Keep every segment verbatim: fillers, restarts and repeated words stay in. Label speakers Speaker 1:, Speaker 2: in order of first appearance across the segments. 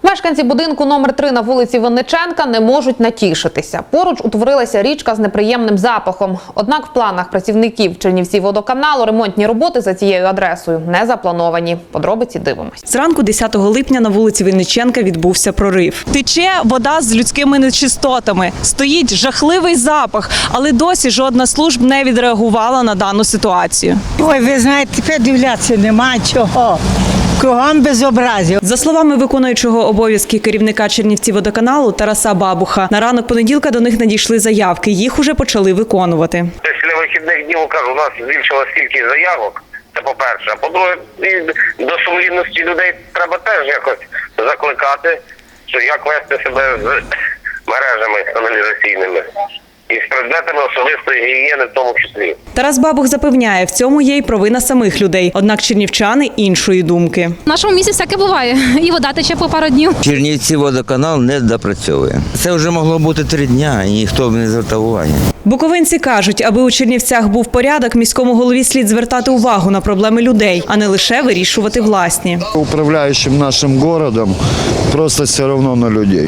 Speaker 1: Мешканці будинку номер три на вулиці Винниченка не можуть натішитися. Поруч утворилася річка з неприємним запахом. Однак в планах працівників Чернівцівводоканалу ремонтні роботи за цією адресою не заплановані. Подробиці дивимось.
Speaker 2: Зранку десятого липня на вулиці Винниченка відбувся прорив. Тече вода з людськими нечистотами. Стоїть жахливий запах, але досі жодна служб не відреагувала на дану ситуацію.
Speaker 3: Ой, ви знаєте, тепер дивлятися нема чого. Кругом безобразів.
Speaker 2: За словами виконуючого обов'язки керівника Чернівцівводоканалу Тараса Бабуха, на ранок понеділка до них надійшли заявки. Їх уже почали виконувати.
Speaker 4: Після вихідних днів, кажу, у нас збільшилась кількість заявок, це по-перше. А по-друге, до сумлінності людей треба теж якось закликати, що як вести себе з мережами каналізаційними. І з предметами особистої гігієни в тому числі.
Speaker 2: Тарас Бабух запевняє, в цьому є й провина самих людей. Однак чернівчани іншої думки.
Speaker 5: В нашому місті всяке буває. І вода тече по пару днів.
Speaker 6: Чернівцівводоканал не допрацьовує. Це вже могло бути три дня, і ніхто б не звертав уваги.
Speaker 2: Буковинці кажуть, аби у Чернівцях був порядок, міському голові слід звертати увагу на проблеми людей, а не лише вирішувати власні.
Speaker 7: Управляющим нашим городом просто все одно на людей.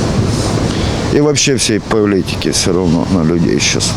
Speaker 7: И вообще всей политики все равно на людей сейчас.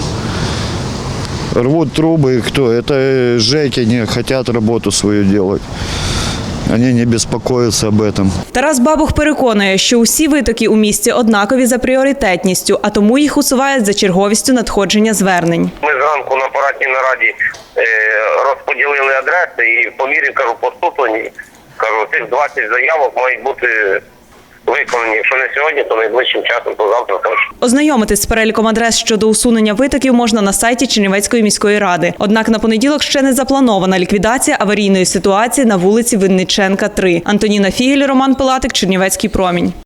Speaker 7: Рвут трубы, кто? Это жеки не хотят работу свою делать. Они не беспокоятся об этом.
Speaker 2: Тарас Бабух переконує, що усі витоки у місті однакові за пріоритетністю, а тому їх усувають за черговістю надходження звернень.
Speaker 4: Ми зранку на апаратній нараді е, розподілили адреси і по мірі, кажу, поступлені, кажу, цих двадцять заявок мають бути виконані. Якщо не сьогодні, то найближчим часом, то завтра теж.
Speaker 2: Ознайомитись з переліком адрес щодо усунення витоків можна на сайті Чернівецької міської ради. Однак на понеділок ще не запланована ліквідація аварійної ситуації на вулиці Винниченка, три. Антоніна Фігель, Роман Пилатик, Чернівецький промінь.